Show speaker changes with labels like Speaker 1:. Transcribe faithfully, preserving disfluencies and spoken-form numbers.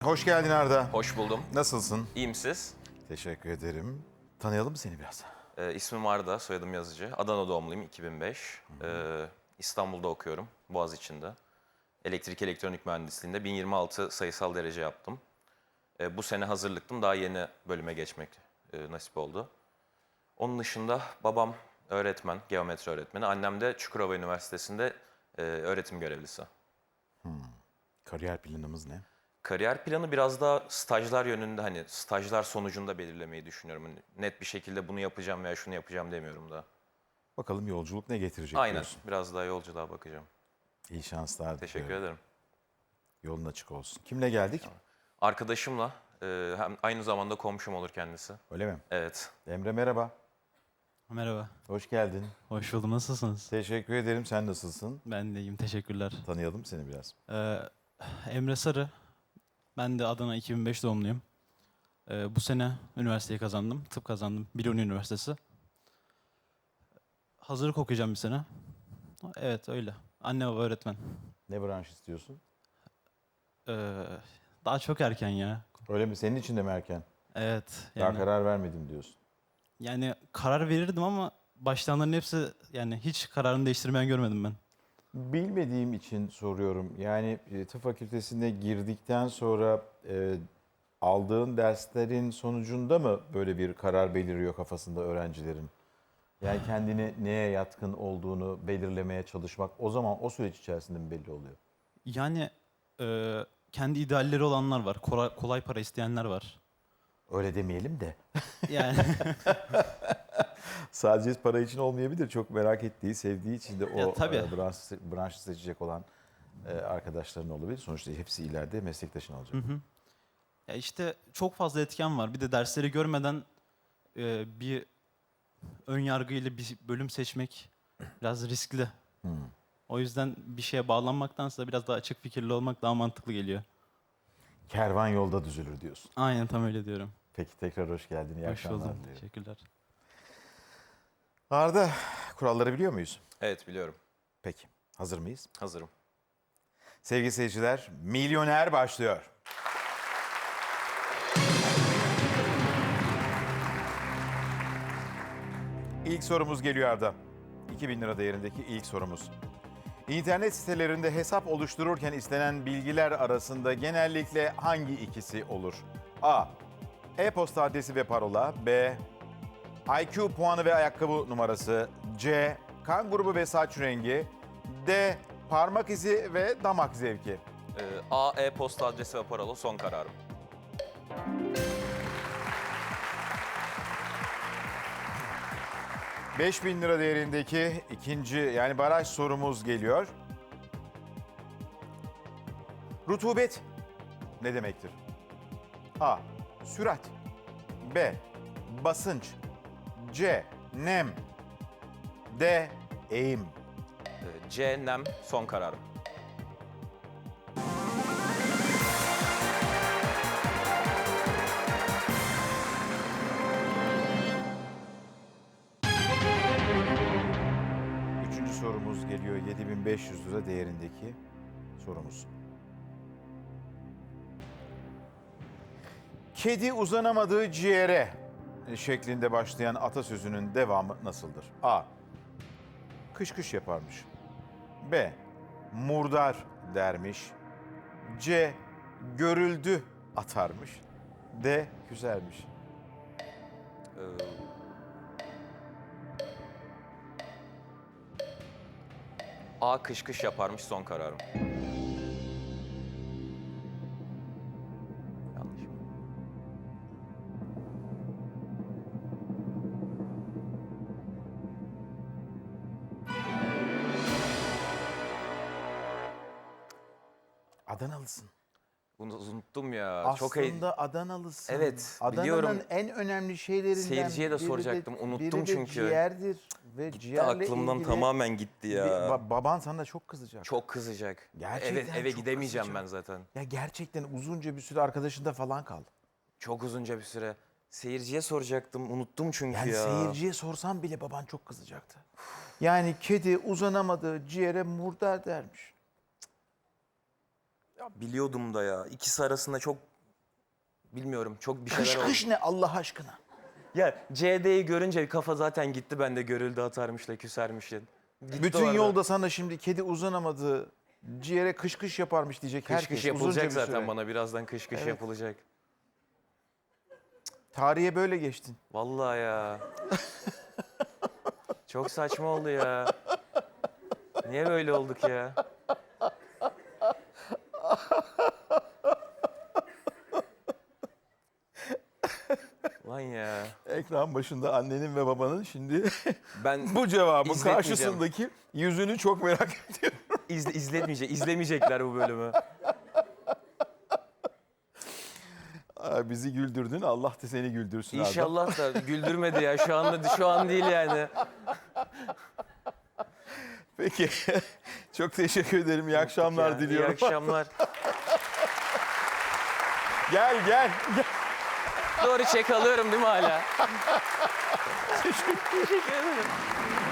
Speaker 1: Hoş geldin Arda.
Speaker 2: Hoş buldum.
Speaker 1: Nasılsın?
Speaker 2: İyiyim siz?
Speaker 1: Teşekkür ederim. Tanıyalım mı seni biraz?
Speaker 2: Ee, ismim Arda, soyadım Yazıcı. Adana doğumluyum, iki bin beş. Ee, İstanbul'da okuyorum, Boğaziçi'nde. Elektrik elektronik mühendisliğinde bin yirmi altı sayısal derece yaptım. Ee, bu sene hazırlıktım, daha yeni bölüme geçmek e, nasip oldu. Onun dışında babam öğretmen, geometri öğretmeni. Annem de Çukurova Üniversitesi'nde e, öğretim görevlisi.
Speaker 1: Kariyer planımız ne?
Speaker 2: Kariyer planı biraz daha stajlar yönünde, hani stajlar sonucunda belirlemeyi düşünüyorum. Hani net bir şekilde bunu yapacağım veya şunu yapacağım demiyorum da.
Speaker 1: Bakalım yolculuk ne getirecek
Speaker 2: Aynen,
Speaker 1: diyorsun.
Speaker 2: biraz daha yolculuğa bakacağım.
Speaker 1: İyi şanslar
Speaker 2: Teşekkür
Speaker 1: diliyorum.
Speaker 2: ederim.
Speaker 1: Yolun açık olsun. Kimle geldik?
Speaker 2: Arkadaşımla, e, hem aynı zamanda komşum olur kendisi.
Speaker 1: Öyle mi?
Speaker 2: Evet.
Speaker 1: Emre merhaba.
Speaker 3: Merhaba,
Speaker 1: Hoş geldin.
Speaker 3: hoş buldum. Nasılsınız?
Speaker 1: Teşekkür ederim. Sen nasılsın?
Speaker 3: Ben de iyiyim, teşekkürler.
Speaker 1: Tanıyalım seni biraz.
Speaker 3: Ee, Emre Sarı, ben de Adana iki bin beş doğumluyum. Ee, bu sene üniversiteyi kazandım, tıp kazandım, Biluni Üniversitesi. Hazırlık okuyacağım bir sene. Evet, öyle. Anne baba öğretmen.
Speaker 1: Ne branş istiyorsun?
Speaker 3: Ee, Daha çok erken ya.
Speaker 1: Öyle mi? Senin için de mi erken?
Speaker 3: Evet,
Speaker 1: Daha
Speaker 3: yani,
Speaker 1: karar vermedim diyorsun.
Speaker 3: yani karar verirdim ama baştanların hepsi, yani hiç kararını değiştirmeyen görmedim ben.
Speaker 1: Bilmediğim için soruyorum. Yani e, tıp fakültesine girdikten sonra e, aldığın derslerin sonucunda mı böyle bir karar beliriyor kafasında öğrencilerin? Yani kendini neye yatkın olduğunu belirlemeye çalışmak o zaman o süreç içerisinde mi belli oluyor?
Speaker 3: Yani e, kendi idealleri olanlar var, kolay, kolay para isteyenler var.
Speaker 1: Öyle demeyelim de.
Speaker 3: Yani
Speaker 1: Sadece para için olmayabilir. Çok merak ettiği, sevdiği için de o
Speaker 3: Ya, tabii.
Speaker 1: e, branş, branşı seçecek olan e, arkadaşların olabilir. Sonuçta hepsi ileride meslektaşın olacak.
Speaker 3: ya işte çok fazla etken var. Bir de dersleri görmeden e, bir ön yargıyla bir bölüm seçmek biraz riskli. O yüzden bir şeye bağlanmaktansa biraz daha açık fikirli olmak daha mantıklı geliyor.
Speaker 1: Kervan yolda düzülür diyorsun.
Speaker 3: Aynen, tam öyle diyorum.
Speaker 1: Peki tekrar hoş geldin. İyi
Speaker 3: Hoş
Speaker 1: akşamlar
Speaker 3: buldum.
Speaker 1: diliyorum.
Speaker 3: Teşekkürler.
Speaker 1: Arda, kuralları biliyor muyuz?
Speaker 2: Evet, biliyorum.
Speaker 1: Peki, hazır mıyız?
Speaker 2: Hazırım.
Speaker 1: Sevgili seyirciler, Milyoner başlıyor. İlk sorumuz geliyor Arda. iki bin lira değerindeki ilk sorumuz. İnternet sitelerinde hesap oluştururken istenen bilgiler arasında genellikle hangi ikisi olur? A. E-posta adresi ve parola. B. I Q puanı ve ayakkabı numarası. C. Kan grubu ve saç rengi. D. Parmak izi ve damak zevki.
Speaker 2: Ee, A, e-posta adresi ve parola son kararım.
Speaker 1: beş bin lira değerindeki ikinci yani baraj sorumuz geliyor. Rutubet ne demektir? A. Sürat. B. Basınç. C. Nem. D. Eğim.
Speaker 2: Ee, C, nem son kararım.
Speaker 1: Üçüncü sorumuz geliyor. yedi bin beş yüz lira değerindeki sorumuz. Kedi uzanamadığı ciğere şeklinde başlayan atasözünün devamı nasıldır? A. Kış kış yaparmış. B. Murdar dermiş. C. Görüldü atarmış. D. Küsermiş.
Speaker 2: Ee, A, kış kış yaparmış son kararım. Yanlış mı?
Speaker 1: Adanalısın.
Speaker 2: Bunu unuttum ya. Çok hey-
Speaker 1: Aslında Adanalısın.
Speaker 2: Evet,
Speaker 1: Adana'nın
Speaker 2: biliyorum.
Speaker 1: en önemli şeylerinden
Speaker 2: Seyirciye de
Speaker 1: biri
Speaker 2: soracaktım, unuttum
Speaker 1: biri de
Speaker 2: çünkü.
Speaker 1: ciğerdir. Ve
Speaker 2: Gitti
Speaker 1: ciğerle
Speaker 2: aklımdan
Speaker 1: ilgili
Speaker 2: tamamen gitti ya.
Speaker 1: bir- ba- baban sana çok kızacak.
Speaker 2: Çok kızacak.
Speaker 1: Gerçekten
Speaker 2: eve eve
Speaker 1: çok
Speaker 2: gidemeyeceğim
Speaker 1: kızacak.
Speaker 2: ben zaten.
Speaker 1: Ya gerçekten uzunca bir süre arkadaşında falan kal.
Speaker 2: Çok uzunca bir süre. Seyirciye soracaktım. Unuttum çünkü
Speaker 1: Yani
Speaker 2: ya.
Speaker 1: seyirciye sorsan bile baban çok kızacaktı. Yani kedi uzanamadığı ciğere murdar dermiş.
Speaker 2: Ya biliyordum da ya. İkisi arasında çok bilmiyorum çok bir şeyler
Speaker 1: Kış
Speaker 2: oldu.
Speaker 1: kış ne Allah aşkına?
Speaker 2: Ya C D'yi görünce kafa zaten gitti bende görüldü atarmışla küsermişin. Gitti
Speaker 1: Bütün
Speaker 2: orada.
Speaker 1: yolda sana şimdi kedi uzanamadı, ciğere kış kış yaparmış diyecek
Speaker 2: Kış
Speaker 1: herkes.
Speaker 2: kış
Speaker 1: uzunca
Speaker 2: yapılacak
Speaker 1: bir
Speaker 2: zaten
Speaker 1: süre.
Speaker 2: bana birazdan kış kış
Speaker 1: Evet.
Speaker 2: yapılacak.
Speaker 1: Tarihe böyle geçtin.
Speaker 2: Vallahi ya. Çok saçma oldu ya. Niye böyle olduk ya? Lan ya.
Speaker 1: Ekran başında annenin ve babanın şimdi
Speaker 2: Ben
Speaker 1: bu cevabın
Speaker 2: İzletmeyeceğim.
Speaker 1: karşısındaki yüzünü çok merak ediyorum.
Speaker 2: izle, izletmeyecek, izlemeyecekler bu bölümü.
Speaker 1: Aa, bizi güldürdün, Allah da seni güldürsün Arda.
Speaker 2: İnşallah da güldürmedi ya. Şu anda şu an değil yani.
Speaker 1: Peki, çok teşekkür ederim. İyi akşamlar
Speaker 2: Ya,
Speaker 1: diliyorum.
Speaker 2: İyi akşamlar.
Speaker 1: Gel, gel, gel.
Speaker 2: Doğru çek alıyorum değil mi hala?
Speaker 1: Teşekkür
Speaker 2: Teşekkür ederim.